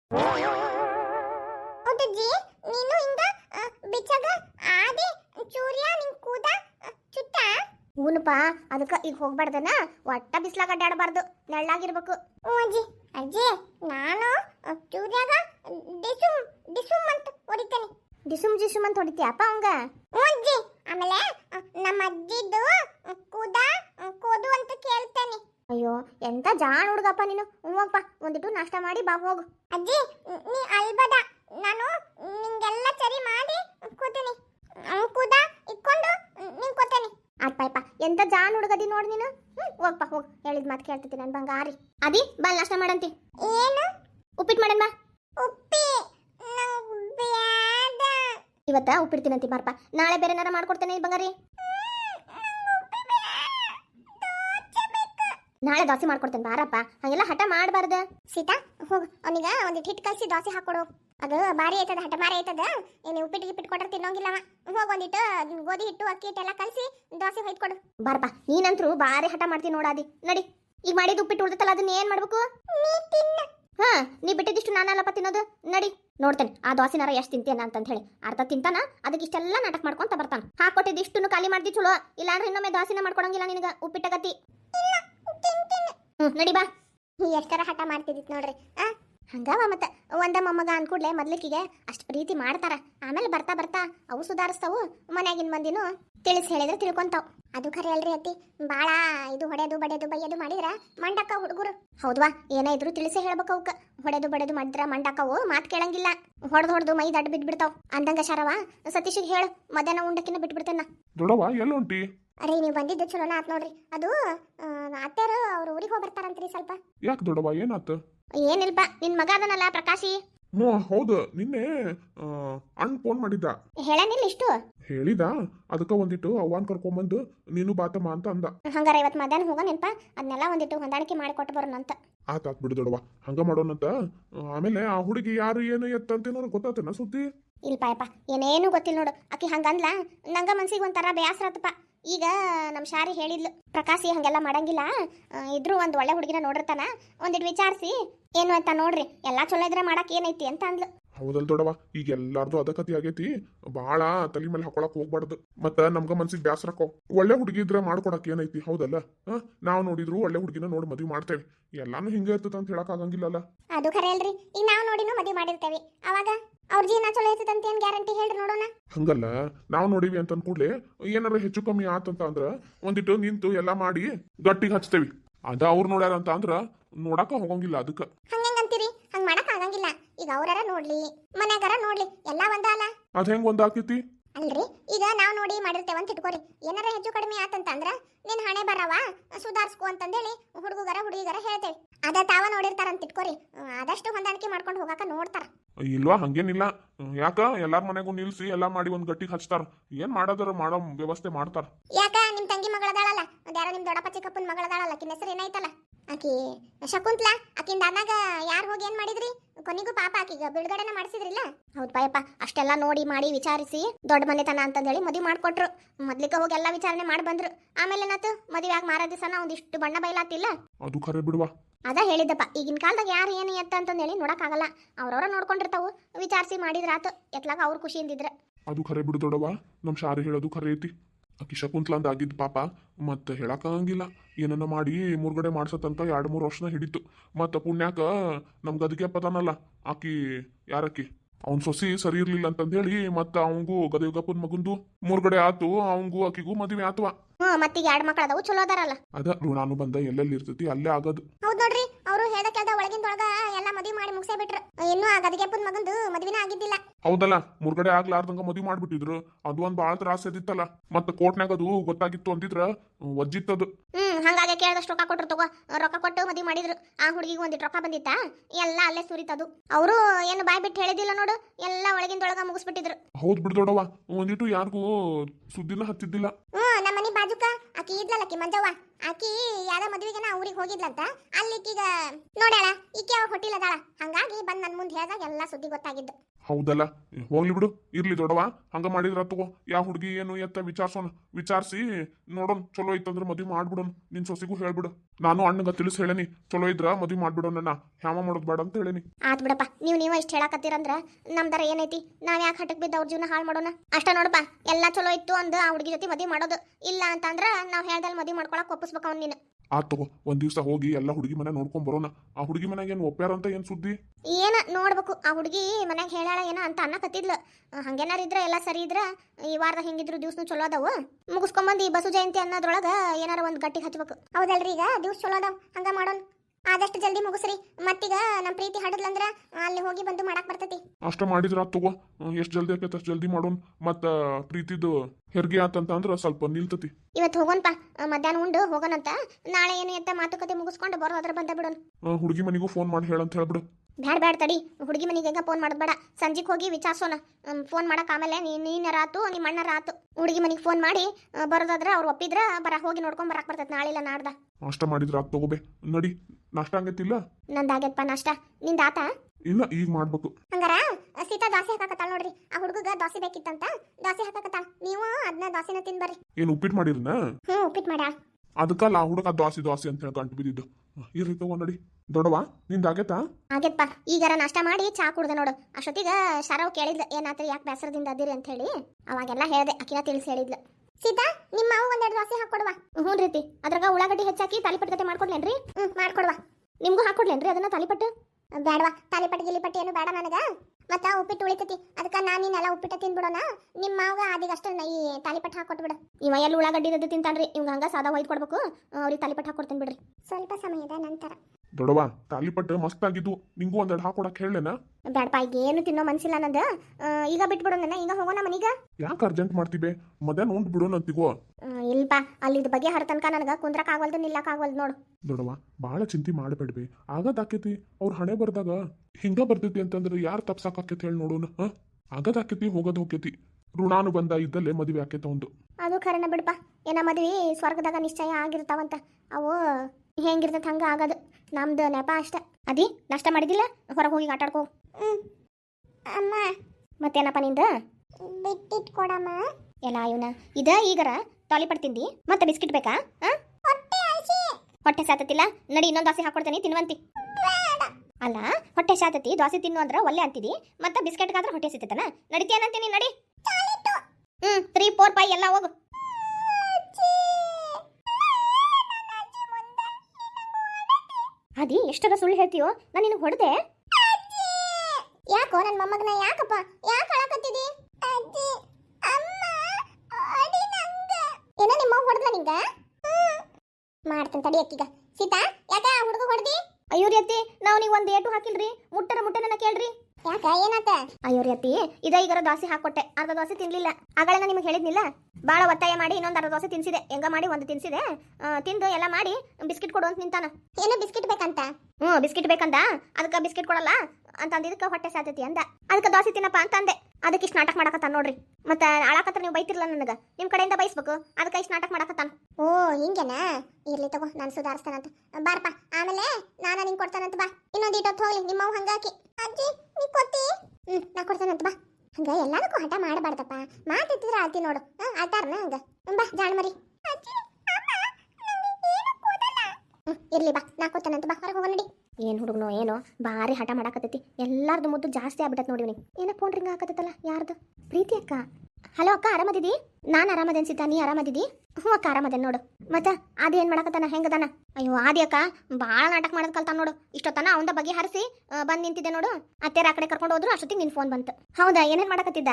ಹೌದಜ್ಜಿ, ನೀನು ಹಿಂಗ ಬಿಚ್ಚಾಗ ಆದಿ ಚೂರ್ಯ ನಿನ್ ಕೂದ ಚುಟ್ಟ? ಹೂನಪ್ಪ, ಅದಕ್ಕೆ ಈಗ ಹೋಗ್ಬಾರ್ದನ, ಒಟ್ಟ ಬಿಸ್ಲಾಗ ಅಡ್ಡಾಡಬಾರ್ದು, ನೆಳ್ಳಾಗಿರ್ಬೇಕು. ಹ್ಞೂ ಅಜ್ಜಿ. ಅಜ್ಜಿ ನಾನು ಚೂರ್ಯಾಗ ಡಿಸುಮ್ ಡಿಸುಮ್ ಅಂತ ಹೊಡಿತೇನೆ. ಡಿಸುಮ್ ಜಿಸುಮ್ ಅಂತ ಹೊಡಿತೀಯಪ್ಪ ಅವಂಗ? ಹ್ಞೂ ಅಜ್ಜಿ. ಆಮೇಲೆ ನಮ್ಮ ಅಜ್ಜಿದ್ದು ಕೂದ ಕೂದು ಅಂತ ಕೇಳ್ತೇನೆ. ಅಯ್ಯೋ ಎಂತ ಜಾಣ ಹುಡುಗಪ್ಪ ನೀನು. ಹೋಗಪ್ಪ ಒಂದಿಟ್ಟು ನಾಷ್ಟ ಮಾಡಿ ಬಾ ಹೋಗು. ಅಜ್ಜಿ ನೀ ಅಲ್ಬದ, ನಾನು ನಿಂಗೆಲ್ಲ ಸರಿ ಮಾಡಿ ಕೂತೀನಿ. ಕೂದ ಇಕ್ಕೊಂಡು ನಿಂಗೆ ಕೂತೇನೆ. ಅಪ್ಪಯ್ಯಪ್ಪ ಎಂತ ಜಾಣ ಹುಡುಗದಿ ನೋಡಿ ನೀನು. ಹ್ಮ್ ಹೋಗಪ್ಪ ಹೋಗು, ಹೇಳಿದ ಮಾತು ಕೇಳ್ತೈತಿ ನನ್ನ ಬಂಗಾರಿ. ಅದಿ ಬಾ ನಾಷ್ಟ ಮಾಡಂತಿ. ಏನು? ಉಪ್ಪಿಟ್ಟು ಮಾಡನ್ ಬಾ. ಉಪ್ಪಿ ನಂಗೆ ಬ್ಯಾಡ. ಇವತ್ತ ಉಪ್ಪಿಟ್ಟು ತಿನ್ನಂತಿ ಬಾರಪ್ಪ. ನಾಳೆ ಬೇರೆ ಏನಾರ ಮಾಡ್ಕೊಡ್ತೇನೆ ಬಂಗಾರಿ. ನಾಳೆ ದೋಸೆ ಮಾಡ್ಕೊಡ್ತೇನೆ ಬಾರಪ್ಪ. ಹಂಗೆಲ್ಲ ಹಠ ಮಾಡಬಾರ್ದ. ಸೀತಾ ಹೋಗು, ಅವನಿಗೆ ಒಂದಿಟ್ಟು ಹಿಟ್ಟು ಕಲಸಿ ದೋಸೆ ಹಾಕೊಡು. ಅದು ಭಾರಿ ಐತದ, ಹಠ ಮಾರಿ ಐತದ. ಏನು ಉಪ್ಪಿಟ್ಟು ಗಿಪ್ಪಿಟ್ಟು ಕೊಟ್ರೆ ತಿನ್ನೋಂಗಿಲ್ಲವ. ಹೋಗಿ ಒಂದಿಟ್ಟು ಗೋಧಿ ಹಿಟ್ಟು ಅಕ್ಕಿ ಹಿಟ್ಟೆಲ್ಲ ಕಲಸಿ ದೋಸೆ ಹೊಯ್ಕೊಡು. ಬಾರಪ್ಪ ನೀನಂತರೂ ಬಾರಿ ಹಠ ಮಾಡ್ತೀನಿ ನೋಡಾದಿ. ನಡಿ ಈಗ ಮಾಡಿದ ಉಪ್ಪಿಟ್ಟು ಉಳ್ದತ್ತಲ್ಲ ಅದನ್ನ ಏನ್ ಮಾಡ್ಬೇಕು? ನೀ ತಿನ್ನ. ಹಾ ನೀ ಬಿಟ್ಟಿದಿಷ್ಟು ನಾನಲ್ಲಪ್ಪ ತಿನ್ನೋದು. ನಡಿ ನೋಡ್ತೇನೆ ಆ ದೋಸೆನಾರ ಎಷ್ಟು ತಿಂತೇನ ಅಂತ ಹೇಳಿ. ಅರ್ಧ ತಿಂತಾನ ಅದಕ್ಕೆ ಇಷ್ಟೆಲ್ಲ ನಾಟಕ ಮಾಡ್ಕೊಂತ ಬರ್ತಾನ. ಹಾಕೊಟ್ಟಿದ್ದು ಖಾಲಿ ಮಾಡ್ದಿ ಚಲೋ, ಇಲ್ಲಾಂದ್ರೆ ಇನ್ನೊಮ್ಮೆ ದೋಸೆನ ಮಾಡ್ಕೊಡಂಗಿಲ್ಲ ನಿನಗ ಉಪ್ಪಿಟ್ಟಗತಿ. ಹ್ಮ್ ನಡಿ ಬಾ. ಎಷ್ಟರ ಹಠ ಮಾಡ್ತಿದ್ದಿತ್ ನೋಡ್ರಿ. ಆ ಹಂಗವ ಮತ್ತ ಒಂದ ಮೊಮ್ಮಗ ಅನ್ಕೂಡ್ಲೆ ಮೊದ್ಲಿಕಿಗೆ ಅಷ್ಟು ಪ್ರೀತಿ ಮಾಡ್ತಾರ. ಆಮೇಲೆ ಬರ್ತಾ ಬರ್ತಾ ಅವು ಸುಧಾರಿಸ್ತಾವು. ಮನ್ಯಾಗಿನ ಮಂದಿನೂ ತಿಳಿಸಿ ಹೇಳಿದ್ರೆ ತಿಳ್ಕೊಂತಾವ್. ಅದು ಖರೆ ಅಲ್ರಿ ಅತ್ತಿ, ಬಾಳ ಇದು ಹೊಡೆದು ಬಡೆದು ಬೈಯದು ಮಾಡಿದ್ರ ಮಂಡಕ್ಕ ಹುಡುಗರು. ಹೌದ್ವಾ, ಏನೇ ಇದ್ರು ತಿಳಿಸಿ ಹೇಳ್ಬೇಕು ಅವಕ್ಕ. ಹೊಡೆದು ಬಡೆದು ಮಾಡಿದ್ರ ಮಂಡಕ್ಕವು ಮಾತು ಕೇಳಂಗಿಲ್ಲ. ಹೊಡೆದು ಹೊಡೆದು ಮೈ ದಡ್ಡ ಬಿದ್ಬಿಡ್ತಾವ್. ಅಂದಂಗ ಶರವ ಸತೀಶಿಗೆ ಹೇಳು ಮಧ್ಯಾಹ್ನ ಉಂಡಕ್ಕಿನ ಬಿಟ್ಬಿಡ್ತೇನ. ದೊಡವ ಎಲ್ಲ ಹೊಂಟಿ? ಅರೆ ನೀವು ಬಂದಿದ್ದು ಚಲೋನ ಆತ್ ನೋಡ್ರಿ. ಅದು ಅತ್ತೆರು ಅವ್ರ ಊರಿಗೆ ಹೋಗಿ ಬರ್ತಾರಂತ್ರಿ ಸ್ವಲ್ಪ. ಯಾಕೆ ದೊಡವ ಏನಾತ? ಏನಿಲ್ಪ, ನಿನ್ ಮಗ ಅದನಲ್ಲ ಪ್ರಕಾಶಿ. ಹ್ಞೂ ಹೌದು, ನಿನ್ನೆ ಅಣ್ಣ ಫೋನ್ ಮಾಡಿದ್ದ. ಹೇಳನಿಲ್ಲ ಇಷ್ಟು ಹೇಳಿದ, ಅದಕ್ಕೆ ಒಂದಿಟ್ಟು ಅವ್ವನ್ ಕರ್ಕೊಂಬಂದು ನೀನು ಬಾತಮ್ಮ ಅಂತ ಅಂದ. ಹಂಗಾರ ಇವತ್ತು ಮಧ್ಯಾಹ್ನ ಹೋಗ ನೆನಪ ಅದನ್ನೆಲ್ಲ ಒಂದಿಟ್ಟು ಹೊಂದಾಣಿಕೆ ಮಾಡಿ ಕೊಟ್ಟು ಬರೋಣಂತ. ಆತ ಆತ್ ಬಿಡು ದೊಡವ, ಹಂಗ ಮಾಡೋಣಂತ. ಆಮೇಲೆ ಆ ಹುಡುಗಿ ಯಾರು ಏನು ಎತ್ತಂತೇನೋ ಗೊತ್ತಾತನ ಸುದ್ದಿ? ಇಲ್ಪಾಯಪ್ಪ ಏನೇನು ಗೊತ್ತಿಲ್ಲ ನೋಡು. ಆಕಿ ಹಂಗಂದ್ಲ, ನಂಗ ಮನ್ಸಿಗೆ ಒಂಥರ ಬೇಸರತ್ತಪ್ಪ. ಈಗ ನಮ್ಮ ಶಾರಿ ಹೇಳಿದ್ಲು, ಪ್ರಕಾಶಿ ಹಂಗೆಲ್ಲ ಮಾಡಂಗಿಲ್ಲ, ಇದ್ರು ಒಂದು ಒಳ್ಳೆ ಹುಡುಗಿನ ನೋಡಿರ್ತಾನ, ಒಂದಿಟ್ಟು ವಿಚಾರಿಸಿ ಏನು ಅಂತ ನೋಡ್ರಿ, ಎಲ್ಲಾ ಚಲೋ ಇದ್ರೆ ಮಾಡಕ್ ಏನೈತಿ ಅಂತ ಅಂದ್ಲು. ಹೌದಲ್ ದೊಡವ, ಈಗ ಎಲ್ಲಾರ್ದು ಅದ ಕತಿ ಆಗೈತಿ. ಬಾಳ ತಲೆ ಮೇಲೆ ಹಾಕೊಳಕ್ ಹೋಗ್ಬಾರ್ದು. ಮತ್ತ ನಮ್ಗ ಮನ್ಸಿಗೆ ಬ್ಯಾಸರಕ್ಕೋ. ಒಳ್ಳೆ ಹುಡುಗಿ ಇದ್ರೆ ಮಾಡ್ಕೊಡಕ್ ಏನೈತಿ, ಹೌದಲ್ಲ? ನಾವ್ ನೋಡಿದ್ರು ಒಳ್ಳೆ ಹುಡುಗಿನ ನೋಡಿ ಮದ್ವಿ ಮಾಡ್ತೇವೆ. ಎಲ್ಲಾನು ಹಿಂಗ ಇರ್ತದ ಅಂತ ಹೇಳಕ್ ಆಗಂಗಿಲ್ಲಲ್ಲ. ಅದು ಖರೆ ಅಲ್ರಿ, ಈಗ ನಾವ್ ನೋಡಿನೂ ಮದ್ವಿ ಮಾಡಿರ್ತೇವೆ. ಅವಾಗ ಅವ್ರ ಜೀವನ ಚಲೋ ಇರ್ತದ ಅಂತ ಏನ್ ಗ್ಯಾರಂಟಿ ಹೇಳ್ರಿ ನೋಡೋಣ. ಹಂಗಲ್ಲ, ನಾವ್ ನೋಡಿವಿ ಅಂತ ಅನ್ಕೂಡ್ಲೆ ಏನಾರ ಹೆಚ್ಚು ಕಮ್ಮಿ ಆತಂತ ಅಂದ್ರ ಒಂದಿಟ್ಟು ನಿಂತು ಎಲ್ಲಾ ಮಾಡಿ ಗಟ್ಟಿಗೆ ಹಚ್ತೇವಿ. ಅದ ಅವ್ರು ನೋಡ್ಯಾರ ಅಂತ ಅಂದ್ರ ನೋಡಾಕ ಹೋಗಂಗಿಲ್ಲ. ಅದಕ್ಕ ಹಂಗಂತೀರಿ? ಹಂಗ ಮಾಡಕ್ ಆಗಂಗಿಲ್ಲ. ಈಗ ಅವ್ರಾರ ನೋಡ್ಲಿ ಮನ್ಯಾಗಾರ ನೋಡ್ಲಿ ಎಲ್ಲಾ ಒಂದ ಅಲ್ಲ. ಅದ್ ಹೆಂಗ್ ಒಂದ್ ಆಕೈತಿ ಅಲ್ರಿ? ಈಗ ನಾವ್ ನೋಡಿ ಮಾಡಿರ್ತೇವ ಅಂತ ಇಟ್ಕೋರಿ, ಏನಾರ ಹೆಚ್ಚು ಕಡಿಮೆ ಆತಂತ ಅಂದ್ರ ನಿನ್ ಹಣೆ ಬರವ ಸುಧಾರ್ಸ್ಕೊ ಅಂತಂದೇಳಿ ಹುಡುಗರ ಹುಡುಗಿಗರ ಹೇಳ್ತೇವೆ. ಅದ ತಾವ ನೋಡಿರ್ತಾರ ಅಂತ ಇಟ್ಕೋರಿ, ಆದಷ್ಟು ಹೊಂದಾಣಿಕೆ ಮಾಡ್ಕೊಂಡು ಹೋಗಾಕ ನೋಡ್ತಾರ. ಇಲ್ವಾ? ಹಂಗೇನಿಲ್ಲ. ಯಾಕ ಎಲ್ಲಾರ ಮನೆಗೂ ನಿಲ್ಸಿ ಎಲ್ಲಾ ಮಾಡಿ ಒಂದ್ ಗಟ್ಟಿಗೆ ಹಚ್ತಾರ. ಏನ್ ಮಾಡೋದ್ರ ಮಾಡೋ ವ್ಯವಸ್ಥೆ ಮಾಡ್ತಾರ. ಯಾಕ ನಿಮ್ ತಂಗಿ ಮಗಳದಾಳಲ್ಲ, ಯಾರೋ ನಿಮ್ ದೊಡ್ಡಪ್ಪ ಚಿಕ್ಕಪ್ಪನ ಮಗಳದಾಳಲ್ಲ, ಆಕಿನ ಹೆಸರು ಏನಾಯ್ತಲ್ಲ, ಆಕಿ ಶಕುಂತ್ಲಾ. ಆಕಿಂದ ಅನ್ನಾಗ ಯಾರು ಹೋಗಿ ಏನ್ ಮಾಡಿದ್ರಿ? ಕೊನೆಗೂ ಪಾಪ ಆಕಿಗ ಬಿಡುಗಡೆನ ಮಾಡಿಸಿದ್ರಿಲ್ಲ. ಹೌದ್ ಪಾಯಪ್ಪ, ಅಷ್ಟೆಲ್ಲ ನೋಡಿ ಮಾಡಿ ವಿಚಾರಿಸಿ ದೊಡ್ಡ ಮನೆತನ ಅಂತಂದೇಳಿ ಮದುವೆ ಮಾಡ್ಕೊಟ್ರು. ಮೊದ್ಲಿಕ ಹೋಗಿ ಎಲ್ಲಾ ವಿಚಾರಣೆ ಮಾಡಿ ಬಂದ್ರು. ಆಮೇಲೆ ಏನಾತು, ಮದುವೆ ಆಗಿ ಮಾರ ದಿವಸನ ಒಂದಿಷ್ಟು ಬಣ್ಣ ಬಯಲಾತಿಲ್ಲ. ಅದು ಖರೆ ಬಿಡುವ. ಅದ ಹೇಳಿದ್ದಪ್ಪ, ಈಗಿನ ಕಾಲದಾಗ ಯಾರು ಏನು ಎತ್ತ ಅಂತಂದೇಳಿ ನೋಡಕ್ಕಾಗಲ್ಲ. ಅವ್ರವ್ರ ನೋಡ್ಕೊಂಡಿರ್ತಾವು. ವಿಚಾರಿಸಿ ಮಾಡಿದ್ರಾತು, ಎತ್ಲಾಗ ಅವ್ರು ಖುಷಿಯಿಂದಿದ್ರ. ಅದು ಖರೆ ಬಿಡು ದೊಡವ, ನಮ್ ಶಾರಿ ಹೇಳೋದು ಖರೆ ಐತಿ. ಆಕಿ ಶಕುಂತ್ಲಂದ ಆಗಿದ್ ಪಾಪ ಮತ್ತೆ ಹೇಳಕ್ಕಾಗಂಗಿಲ್ಲ. ಏನನ್ನ ಮಾಡಿ ಮುರ್ಗಡೆ ಮಾಡ್ಸತ್ತಂತ ಎರಡು ಮೂರು ವರ್ಷನ ಹಿಡಿತು. ಮತ್ತ ಪುಣ್ಯಾಕ ನಮ್ಗೆ ಅದಕ್ಕೆ ಪತಾನಲ್ಲ, ಆಕಿ ಯಾರಕ್ಕಿ ಅವ್ನ್ ಸೊಸಿ ಸರಿ ಇರ್ಲಿಲ್ಲ ಅಂತಂದ ಹೇಳಿ ಮತ್ತ ಅವಂಗೂ ಗದಯುಗಪ್ಪನ ಮಗಂದು ಮುರ್ಗಡೆ ಆತು. ಅವಂಗೂ ಆಕಿಗೂ ಮದುವೆ ಆತವ. ಹ್ಮ್ ಮತ್ತೀಗ ಎರಡು ಮಕ್ಳು ಅದಾವು, ಚಲೋ ಅದಾರಲ್ಲ. ಅದ ಋಣಾನು ಬಂದ ಎಲ್ಲೆಲ್ಲಿ ಇರ್ತೈತಿ ಅಲ್ಲೇ ಆಗದು. ಹೌದ್ ನೋಡ್ರಿ, ಅವರು ಹೇಳ್ದ ಕೇಳ್ದ ಒಳಗಿಂದೊಳಗ ಎಲ್ಲಾ ಮದ್ವಿ ಮಾಡಿ ಮುಗಿಸೇ ಬಿಟ್ರು. ಇನ್ನೂ ಆ ಗದಗೆಪ್ಪನ ಮಗಂದು ಮದ್ವಿನ ಆಗಿದ್ದಿಲ್ಲ. ಹೌದಲ್ಲ, ಮುರ್ಗಡೆ ಆಗ್ಲಾರ್ದಂಗ ಮದ್ವಿ ಮಾಡ್ಬಿಟ್ಟಿದ್ರು. ಅದು ಒಂದ್ ಬಾಳ ತ್ರಾಸ ಎದಿತ್ತಲ್ಲ. ಮತ್ತ ಕೋರ್ಟ್ನಾಗ ಅದು ಗೊತ್ತಾಗಿತ್ತು ಅಂತಿದ್ರ ವಜ್ಜಿತ್ತದು. ಹ್ಮ್ ಹಂಗಾಗಿ ಕೇಳ್ದಷ್ಟು ರೊಕ್ಕ ಕೊಟ್ರು ತಗೋ. ರೊಕ್ಕ ಕೊಟ್ಟು ಮದ್ವಿ ಮಾಡಿದ್ರು. ಆ ಹುಡುಗಿಗೆ ಒಂದಿಟ್ಟು ರೊಕ್ಕ ಬಂದಿತ್ತ, ಎಲ್ಲ ಅಲ್ಲೇ ಸುರಿತದು. ಅವರು ಏನು ಬಾಯ್ ಬಿಟ್ಟು ಹೇಳಿದಿಲ್ಲ ನೋಡು, ಎಲ್ಲ ಒಳಗಿಂದೊಳಗ ಮುಗಿಸ್ಬಿಟ್ಟಿದ್ರು. ಹೌದ್ ಬಿಡ್ದೊಡವ, ಒಂದಿಟ್ಟು ಯಾರಿಗೂ ಸುದ್ದಿನ ಹತ್ತಿದ್ದಿಲ್ಲ. ಹ್ಮ್ ನಮ್ಮ ಮನಿ ಬಾಜುಕ ಆಕಿ ಇದ್ಲಲ್ಲ, ಆಕಿ ಮಂಜವ್ವ, ಆಕಿ ಯಾರ ಮದ್ವಿಗೆನ ಊರಿಗೆ ಹೋಗಿದ್ಲಂತ. ಅಲ್ಲಿ ಈಕೀಗ ನೋಡ್ಯಾಳ, ಈಕೆ ಅವಾಗ ಹೊಟ್ಟಿಲದಾಳ. ಹಂಗಾಗಿ ಬಂದ್ ನನ್ ಮುಂದೆ ಹೇಳ್ದಾಗ ಎಲ್ಲಾ ಸುದ್ದಿ ಗೊತ್ತಾಗಿದ್ದು. ಹೌದಲ್ಲ, ಹೋಗ್ಲಿ ಬಿಡು, ಇರ್ಲಿ ದೊಡವ. ಹಂಗ ಮಾಡಿದ್ರ ತಗೋ, ಯಾವ ಹುಡುಗಿ ಏನು ಎತ್ತ ವಿಚಾರ್ಸೋಣ. ವಿಚಾರಿಸಿ ನೋಡೋಣ, ಚಲೋ ಇತ್ತಂದ್ರ ಮದ್ವಿ ಮಾಡ್ಬಿಡೋಣ. ನಿನ್ ಸೊಸಿಗೂ ಹೇಳ್ಬಿಡು. ನಾನು ಅಣ್ಣಗ ತಿಳಿಸ್ ಹೇಳೇನಿ, ಚಲೋ ಇದ್ರ ಮದ್ವಿ ಮಾಡ್ಬಿಡೋಣ, ಹ್ಯಾಮ ಮಾಡೋದ್ ಬೇಡ ಅಂತ ಹೇಳೇನಿ. ಆತ್ ಬಿಡಪ್ಪ, ನೀವು ನೀವ ಇಷ್ಟ ಹೇಳಕತ್ತೀರಂದ್ರ ನಮ್ದರ ಏನೈತಿ? ನಾವ್ ಯಾಕೆ ಹಠಕ್ ಬಿದ್ದು ಅವ್ರ ಜೀವನ ಹಾಳು ಮಾಡೋಣ? ಅಷ್ಟ ನೋಡಪ್ಪ, ಎಲ್ಲಾ ಚಲೋ ಇತ್ತು ಅಂದ್ ಆ ಹುಡುಗಿ ಜೊತೆ ಮದ್ವಿ ಮಾಡೋದು. ಇಲ್ಲ ಅಂತಂದ್ರ ನಾವ್ ಹೇಳ್ದಲ್ಲಿ ಮದ್ವಿ ಮಾಡ್ಕೊಳಕ್ ಒಪ್ಪಿಸ್ಬೇಕು ಅವ್ನ. ನೀನು ಆತ್ ತಗೋ ಒಂದ್ ದಿವ್ಸ ಹೋಗಿ ಎಲ್ಲ ಹುಡುಗಿ ಮನೆ ನೋಡ್ಕೊಂಡ್ ಬರೋಣ. ಆ ಹುಡುಗಿ ಮನೆಗೆ ಏನ್ ಒಪ್ಪ್ಯಾರ ಅಂತ ಏನ್ ಸುದ್ದಿ? ಏನ ನೋಡ್ಬೇಕು, ಆ ಹುಡುಗಿ ಮನ್ಯಾಗ ಹೇಳಾಳ ಏನ ಅಂತ ಅನ್ನಕತ್ತಿದ್ಲು. ಹಂಗೇನಾರ ಇದ್ರ ಎಲ್ಲ ಸರಿ ಇದ್ರ ಈ ವಾರದ ಹೆಂಗಿದ್ರು ದಿವ್ಸನು ಚಲೋ ಅದಾವು. ಮುಗಿಸ್ಕೊಂಬಂದು ಈ ಬಸು ಜಯಂತಿ ಅನ್ನೋದ್ರೊಳಗ ಏನಾರ ಒಂದ್ ಗಟ್ಟಿಗೆ ಹಚ್ಬೇಕು. ಹೌದಲ್ರಿ, ಈಗ ದಿವ್ಸ ಚಲೋ ಅದಾವ, ಹಂಗ ಮಾಡೋಣ. ಆದಷ್ಟು ಜಲ್ದಿ ಮುಗಿಸ್ರಿ, ಮತ್ತೀಗ ನಮ್ಮ ಪ್ರೀತಿ ಹಡದ್ಲಂದ್ರ ಅಲ್ಲಿ ಹೋಗಿ ಬಂದು ಮಾಡಕ್ ಬರ್ತೈತಿ. ಅಷ್ಟ ಮಾಡಿದ್ರ ಆತ್ ತಗೋ. ಎಷ್ಟ್ ಜಲ್ದಿ ಆಕೈತೆ ಅಷ್ಟ್ ಜಲ್ದಿ ಮಾಡೋಣ. ಮತ್ತ ಪ್ರೀತಿದು ಹೆರಿಗೆ ಆತಂತ ಅಂದ್ರ ಸ್ವಲ್ಪ ನಿಲ್ತತಿ. ಇವತ್ತು ಹೋಗೋಣಪ್ಪ, ಮಧ್ಯಾಹ್ನ ಉಂಡು ಹೋಗೋಣಂತ. ನಾಳೆ ಏನು ಎತ್ತ ಮಾತುಕತೆ ಮುಗಿಸ್ಕೊಂಡು ಬರೋದ್ರ ಬಂದ ಬಿಡೋಣ. ಹುಡುಗಿ ಮನಿಗೂ ಫೋನ್ ಮಾಡಿ ಹೇಳಂತ ಹೇಳ್ಬಿಡು. ಬ್ಯಾಡ ಬ್ಯಾಡ ತಡಿ, ಹುಡುಗಿ ಮನೆಗೆ ಈಗ ಫೋನ್ ಮಾಡೋದು ಬೇಡ. ಸಂಜೆಗೆ ಹೋಗಿ ವಿಚಾರಿಸೋಣ. ಫೋನ್ ಮಾಡಕ್ ಆಮೇಲೆ ನೀನರ ಆತು ನಿಮ್ಮ ಅಣ್ಣರ ಆತು. ಹುಡುಗಿ ಮನೆಗೆ ಫೋನ್ ಮಾಡಿ ಬರೋದಾದ್ರೆ ಅವ್ರು ಒಪ್ಪಿದ್ರ ಬರ ಹೋಗಿ ನೋಡ್ಕೊಂಡ್ ಬರಕ್ ಬರ್ತೈತೆ ನಾಳೆಲ್ಲ ನಾಡ್ದ. ಅಷ್ಟ ಮಾಡಿದ್ರ ಆತ್ ತಗೋಬೇ. ನಡಿ, ನಾಷ್ಟ ಆಗೈತಿಲ್ಲ? ನಂದಾಗೈತಪ್ಪ ನಾಷ್ಟ, ನಿಂದ ಆತ? ಇಲ್ಲ, ಈಗ ಮಾಡ್ಬೇಕು. ಹಂಗಾರ ಸೀತಾ ದೋಸೆ ಹಾಕತ್ತಾಳ ನೋಡ್ರಿ. ಆ ಹುಡುಗಗ ದೋಸೆ ಬೇಕಿತ್ತಂತ ದೋಸೆ ಹಾಕತ್ತಾಳ. ನೀವು ಅದನ್ನ ದೋಸೆನ ತಿನ್ ಬರ್ರಿ. ಏನ್ ಉಪ್ಪಿಟ್ಟು ಮಾಡಿರನ? ಹ್ಮ್, ಉಪ್ಪಿಟ್ಟು ಮಾಡ್ಯಾಳ. ಅದಕ್ಕಲ್ಲ ಆ ಹುಡುಗ ದೋಸೆ ದೋಸೆ ಅಂತ ಹೇಳಿ ಗಂಟು ಬಿದ್ದಿದ್ದು. ಇರ್ರಿ ತಗೋ, ನಡಿ. ದೊಡ್ಡವಾ ನಿಂದ ಆಗೈತಾ? ಆಗೈತಪ್ಪ, ಈಗಾರ ನಾಷ್ಟ ಮಾಡಿ ಚಾ ಕುಡ್ದೆ ನೋಡು. ಅಷ್ಟೊತ್ತಿಗ ಶಾರವ್ ಕೇಳಿದ್ಲ ಏನಾತ್ರಿ ಯಾಕೆ ಬೇಸರದಿಂದ ಅದಿರಿ ಅಂತ ಹೇಳಿ. ಅವಾಗೆಲ್ಲ ಹೇಳ್ದೆ, ಅಕಿನ ತಿಳಿಸಿ ಹೇಳಿದ್ಲು. ಸೀತಾ, ನಿಮ್ಮ ಮಾವು ಒಂದೆರಡು ದೋಸೆ ಹಾಕೊಡ್ವಾ. ಹ್ಞೂ ರೀತಿ, ಅದ್ರಾಗ ಉಳ್ಳಾಗಡ್ಡಿ ಹೆಚ್ಚಾಕಿ ತಾಲಿಪಟ್ಟು ಕತೆ ಮಾಡ್ಕೊಡ್ಲೇನ್ರಿ? ಹ್ಮ್, ಮಾಡ್ಕೊಡ್ವಾ. ನಿಮ್ಗೂ ಹಾಕೊಡ್ಲೇನ್ರಿ ಅದನ್ನ ತಾಲಿಪಟ್ಟು? ಬೇಡವಾ, ತಾಲಿಪಟ್ಟು ಗಿಲಿಪಟ್ಟು ಏನು ಬೇಡ ನನಗ. ಮತ್ತ ಉಪ್ಪಿಟ್ಟು ಉಳಿತೈತಿ, ಅದಕ್ಕ ನಾನು ನೀನೆಲ್ಲ ಉಪ್ಪಿಟ್ಟು ತಿನ್ಬಿಡೋಣ. ನಿಮ್ಮ ಮಾವಗ ಅದಿಗಷ್ಟ ಈ ತಾಲಿಪಟ್ಟು ಹಾಕೊಟ್ಬಿಡು. ಇವ ಎಲ್ಲ ಉಳ್ಳಾಗಡ್ಡಿ ಇದ್ದು ತಿಂತಾನ್ರಿ, ಇವ್ಗ ಹಂಗ ಸಾದಾ ಒಯ್ದು ಕೊಡ್ಬೇಕು. ಅವ್ರಿಗೆ ತಾಲಿಪಟ್ಟು ಹಾಕೊಡ್ತೀನಿ ಬಿಡ್ರಿ. ಸ್ವಲ್ಪ ಸಮಯದ ನಂತರ. ದೊಡ್ಡವಾ, ತಾಲಿಪಟ್ಟು ಮಸ್ತ್ ಆಗಿದ್ದು. ನಿಂಗೂ ಒಂದೆರಡು ಹಾಕೊಡಕ್ ಹೇಳೇನ? ಬ್ಯಾಡಪ್ಪ, ಈಗ ಏನು ತಿನ್ನೋ ಮನ್ಸಿಲ್ಲ ನಂದು. ಈಗ ಬಿಟ್ಬಿಡೋಣ, ಈಗ ಹೋಗೋಣ ಮನೀಗ. ಯಾಕೆ ಅರ್ಜೆಂಟ್ ಮಾಡ್ತೀವಿ? ಮಧ್ಯಾಹ್ನ ಉಂಟು ಬಿಡೋಣ ಅಂತಿಗೋ. ಇಲ್ಪ, ಅಲ್ಲಿ ಇದ್ ಬಗ್ಗೆ ಹರ ತನಕ ನನಗ ಕುಂದ್ರಕ್ ಆಗವಲ್ದು, ನಿಲ್ಲಕ್ ಆಗವಲ್ದು ನೋಡು. ದೊಡ್ಡವಾ, ಭಾಳ ಚಿಂತೆ ಮಾಡಬೇಡ್ವಿ. ಆಗದಾಕೈತಿ, ಅವ್ರ ಹಣೆ ಬರ್ದಾಗ ಹಿಂಗ ಬರ್ತೈತಿ ಅಂತಂದ್ರೆ ಯಾರು ತಪ್ಸಾಕೈತಿ ಹೇಳಿ ನೋಡೋಣ. ಹಾ, ಆಗದಾಕೈತಿ, ಹೋಗೋದು ಹೋಗ್ತೈತಿ. ಋಣಾನು ಬಂದ ಇದ್ದಲ್ಲೇ ಮದುವೆ ಆಕೈತ ಒಂದು. ಅದು ಖರೇನ ಬಿಡಪ್ಪ, ಏನ ಮದ್ವಿ ಸ್ವರ್ಗದಾಗ ನಿಶ್ಚಯ ಆಗಿರ್ತಾವಂತ. ಅವು ಹೆಂಗಿರ್ತೈತೆ ಹಂಗ ಆಗದು. ನಮ್ದು ನೆಪ ಅಷ್ಟ. ಅದಿ ನಾಷ್ಟ ಮಾಡಿದಿಲ್ಲ? ಹೊರಗೆ ಹೋಗಿ ಆಟ ಆಡ್ಕೋ. ಹ್ಮ್. ಅಮ್ಮ, ಮತ್ತೇನಪ್ಪ ನಿಂದ? ಬಿಟ್ಟಿಟ್ ಕೊಡಮ್ಮ. ಎಲ್ಲ ಇವನ ಇದ ಈಗರ ತಾಲಿಪಟ್ಟು ತಿಂದಿ ಮತ್ತೆ ಬಿಸ್ಕಿಟ್ ಬೇಕಾ? ಹೊಟ್ಟೆ ಹಸಿ. ಹೊಟ್ಟೆ ಸಾತತಿಲ್ಲ, ನಡಿ ಇನ್ನೊಂದು ದೋಸೆ ಹಾಕೊಡ್ತೇನೆ ತಿನ್ವಂತಿ. ಅಲ್ಲ, ಹೊಟ್ಟೆ ಸಾತತಿ, ದೋಸೆ ತಿನ್ನು ಅಂದ್ರ ಒಲ್ಲೆ ಅಂತಿದಿ, ಮತ್ತೆ ಬಿಸ್ಕೆಟ್ಗಾದ್ರೆ ಹೊಟ್ಟೆ ಸಿಗ್ತೈತನ? ನಡಿತೀಯನಂತೀನಿ, ನಡಿ. ಹ್ಮ್, ತ್ರೀ ಫೋರ್ ಫೈವ್ ಎಲ್ಲ ಹೋಗು. ಅದಿ ಎಷ್ಟರ ಸುಳ್ಳು ಹೇಳ್ತೀಯೋ, ನಾನು ನಿನಗೆ ಹೊಡೆದೆ. ಯಾಕೋ ನನ್ನ ಮೊಮ್ಮಗನ ಯಾಕಪ್ಪ ಯಾಕೆ ಅಳಕತ್ತಿದಿ? ಅಜ್ಜಿ, ಅಮ್ಮ ಅಡಿ ನಂಗ. ಏನೋ ನಿಮ್ಮ ಹೊಡೆದ್ಲ ನಿಂಗ? ಮಾಡ್ತೀನಿ ತಡಿ ಅಕ್ಕಿಗ. ಸೀತಾ, ಯಾಕ ಆ ಹುಡುಗ ಹೊಡೆದಿ? ಅಯ್ಯೋ ರೀ ಅತ್ತಿ, ನಾವು ನೀವು ಒಂದು ಏಟು ಹಾಕಿಲ್ರಿ, ಮುಟ್ಟರ ಮುಟ್ಟನ ಕೇಳ್ರಿ. ಯಾಕ, ಏನಾತ? ಅಯ್ಯೋ ರೀ ಅತ್ತಿ, ಇದ ಈಗರ ದೋಸೆ ಹಾಕೊಟ್ಟೆ, ಅರ್ಧ ದೋಸೆ ತಿನ್ಲಿಲ್ಲ. ಆಗಳೇ ನಾನು ನಿಮಗೆ ಹೇಳಿದ್ನಿಲ್ಲ, ಭಾಳ ಒತ್ತಾಯ ಮಾಡಿ ಇನ್ನೊಂದು ಅರ್ಧ ದೋಸೆ ತಿನ್ಸಿದೆ. ಹೆಂಗ ಮಾಡಿ ಒಂದು ತಿನ್ಸಿದೆ, ತಿಂದು ಎಲ್ಲ ಮಾಡಿ ಬಿಸ್ಕಿಟ್ ಕೊಡು ಅಂತ ನಿಂತಾನ. ಏನೋ ಬಿಸ್ಕಿಟ್ ಬೇಕಂತ? ಹ್ಞೂ, ಬಿಸ್ಕಿಟ್ ಬೇಕಂದ. ಅದಕ್ಕೆ ಬಿಸ್ಕಿಟ್ ಕೊಡಲ್ಲ ಅಂತ ಅಂದಿದ್ದಕ್ಕೆ ಹೊಟ್ಟೆ ಸಾತೈತಿ ಅಂದ. ಅದಕ್ಕೆ ದೋಸೆ ತಿನ್ನಪ್ಪ ಅಂತ ಅಂದೆ. ಅದಕ್ಕೆ ಇಷ್ಟು ನಾಟಕ ಮಾಡಕತ್ತಾನ ನೋಡ್ರಿ. ಮತ್ತೆ ಆಳಾಕತ್ರ ನೀವು ಬೈತಿರ್ಲ ನನಗೆ, ನಿಮ್ಮ ಕಡೆಯಿಂದ ಬೈಸ್ಬೇಕು, ಅದಕ್ಕೆ ಇಷ್ಟು ನಾಟಕ ಮಾಡಕತ್ತಾನ. ಓ, ಹಿಂಗೆನಾ? ಇರ್ಲಿ ತಗೋ, ನಾನು ಸುಧಾರಿಸ್ತಾನಂತ. ಬಾರಪ್ಪ, ಆಮೇಲೆ ನಾನು ನಿಂಗೆ ಕೊಡ್ತಾನಂತ. ಬಾ, ಇನ್ನೊಂದು ಇಟ್ಟೊತ್ತು ಹೋಗ್ಲಿ ನಿಮ್ಮವ್ ಹಂಗಾಕಿ. ಅಜ್ಜಿ, ನೀ ಕೊತ್ತಿ? ಹ್ಞೂ, ನಾ ಕೊಡ್ತಾನಂತ. ಬಾ, ಹಂಗ ಎಲ್ಲದಕ್ಕೂ ಹಠ ಮಾಡಬಾರ್ದಪ್ಪ. ಮಾತಿತ್ತಿದ್ರೆ ಆಳ್ತಿ ನೋಡು. ಹಾಂ, ಆಳ್ತಾರನ ಹಂಗ. ಬಾ, ಜಾಣ ಮರಿ. ಇರ್ಲಿ ಬಾ, ನಾ ಕೊಡ್ತಾನಂತ. ಬಾ, ಹೊರಗೆ ಹೋಗ ನಡಿ. ಏನು ಹುಡುಗನೋ ಏನೋ ಭಾರಿ ಹಠ ಮಾಡಾಕತ್ತೈತಿ. ಎಲ್ಲಾರ್ದು ಮುದ್ದು ಜಾಸ್ತಿ ಆಗ್ಬಿಟ್ಟತ್ ನೋಡಿ ನೀವು. ಏನೋ ಫೋನ್ ರಿಂಗ್ ಹಾಕತ್ತಲ್ಲ, ಯಾರ್ದು? ಪ್ರೀತಿ ಅಕ್ಕ. ಹಲೋ ಅಕ್ಕ, ಆರಾಮದಿದಿ? ನಾನು ಆರಾಮದೇನ್ ಸೀತಾ, ನೀ ಆರಾಮದಿದಿ? ಹ್ಞೂ ಅಕ್ಕ, ಆರಾಮದೇನ್ ನೋಡು. ಮತ್ತೆ ಅದೇ ಏನು ಮಾಡಕತ್ತಾನ, ಹೆಂಗದಾನ? ಅಯ್ಯೋ ಆದಿ ಅಕ್ಕ ಭಾಳ ನಾಟಕ ಮಾಡೋದು ಕಲ್ತಾನ ನೋಡು. ಇಷ್ಟೊತ್ತನ ಅವಂದ ಬಗ್ಗೆ ಹರಿಸಿ ಬಂದು ನಿಂತಿದ್ದೆ ನೋಡು. ಅತ್ತೆರ ಆ ಕಡೆ ಕರ್ಕೊಂಡು ಹೋದ್ರು, ಅಷ್ಟೊತ್ತಿಗೆ ನಿನ್ ಫೋನ್ ಬಂತು. ಹೌದಾ, ಏನೇನು ಮಾಡಕತ್ತಿದ್ದ?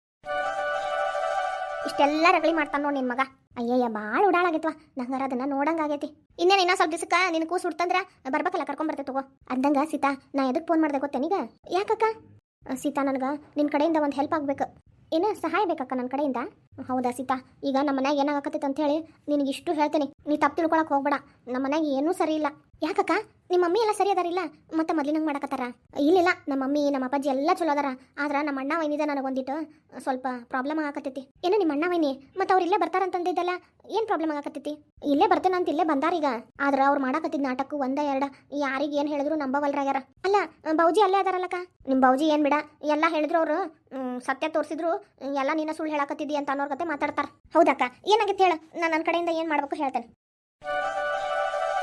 ಇಷ್ಟೆಲ್ಲ ರಗಳಿ ಮಾಡ್ತಾನ ನೋಡಿ ನಿನ್ ಮಗ. ಅಯ್ಯಯ್ಯ, ಭಾಳ ಉಡಾಳಾಗೈತ್ವ. ನಂಗಾರ ಅದನ್ನ ನೋಡಂಗಾಗೈತಿ. ಇನ್ನೇನು ಇನ್ನೂ ಸ್ವಲ್ಪ ದಿವಸಕ್ಕೆ ನಿನ್ ಕೂಸು ಹುಡ್ತಂದ್ರ ಬರ್ಬೇಕಲ್ಲ, ಕರ್ಕೊಂಬರ್ತೇ ತಗೋ. ಅಂದಂಗ ಸೀತಾ, ನಾ ಎದಕ್ಕೆ ಫೋನ್ ಮಾಡ್ದೆ ಗೊತ್ತೇನೀಗ? ಯಾಕಕ್ಕ? ಸೀತಾ, ನನಗೆ ನಿನ್ನ ಕಡೆಯಿಂದ ಒಂದು ಹೆಲ್ಪ್ ಆಗ್ಬೇಕು. ಏನು ಸಹಾಯ ಬೇಕಕ್ಕ ನನ್ನ ಕಡೆಯಿಂದ? ಹೌದಾ ಸೀತಾ, ಈಗ ನಮ್ಮ ಮನ್ಯಾಗ ಏನಾಗತ್ತೈತೆ ಅಂತ ಹೇಳಿ ನಿನಗೆ ಇಷ್ಟು ಹೇಳ್ತೀನಿ. ನೀ ತಪ್ಪು ತಿಳ್ಕೊಳಕ್ಕೆ ಹೋಗ್ಬೇಡ. ನಮ್ಮ ಮನ್ಯಾಗ ಏನೂ ಸರಿ ಇಲ್ಲ. ಯಾಕಕ್ಕ? ನಿಮ್ಮ ಮಮ್ಮಿ ಎಲ್ಲ ಸರಿ ಅದಾರಿಲ್ಲ? ಮತ್ತೆ ಮೊದ್ಲಿನಂಗೆ ಮಾಡಕತ್ತಾರ? ಇಲ್ಲಿಲ್ಲ, ನಮ್ಮ ಮಮ್ಮಿ ನಮ್ಮ ಅಪ್ಪಾಜಿ ಎಲ್ಲ ಚಲೋ ಅದಾರ. ಆದ್ರೆ ನಮ್ಮ ಅಣ್ಣ ವೈನಿದೆ ನನಗೊಂದಿಟ್ಟು ಸ್ವಲ್ಪ ಪ್ರಾಬ್ಲಮ್ ಆಗಕತ್ತೈತಿ. ಏನೋ ನಿಮ್ಮ ಅಣ್ಣ ವೈನಿ ಮತ್ತೆ ಅವ್ರು ಇಲ್ಲೇ ಬರ್ತಾರಂತಂದಿದ್ದಲ್ಲ, ಏನು ಪ್ರಾಬ್ಲಮ್ ಆಗಕತ್ತೈತಿ? ಇಲ್ಲೇ ಬರ್ತೇನೆ ಅಂತ ಇಲ್ಲೇ ಬಂದಾರೀಗ. ಆದ್ರೆ ಅವ್ರು ಮಾಡಕತ್ತಿದ್ ನಾಟಕ ಒಂದ ಎರಡ, ಯಾರಿಗೆ ಏನು ಹೇಳಿದ್ರು ನಂಬವಲ್ರಾಗ್ಯಾರ. ಅಲ್ಲ, ಬೌಜಿ ಅಲ್ಲೇ ಅದಾರಲ್ಲಕ್ಕ? ನಿಮ್ಮ ಬೌಜಿ ಏನು ಬಿಡ, ಎಲ್ಲ ಹೇಳಿದ್ರು ಅವರು ಸತ್ಯ ತೋರಿಸಿದ್ರು, ಎಲ್ಲ ನೀನ ಸುಳ್ಳು ಹೇಳಕತ್ತಿದ್ದಿ ಅಂತ ಅನ್ನೋರ್ ಕತೆ ಮಾತಾಡ್ತಾರ. ಹೌದಕ್ಕ, ಏನಾಗಿತ್ತು ಹೇಳು, ನಾನು ನನ್ನ ಕಡೆಯಿಂದ ಏನು ಮಾಡ್ಬೇಕು ಹೇಳ್ತೇನೆ.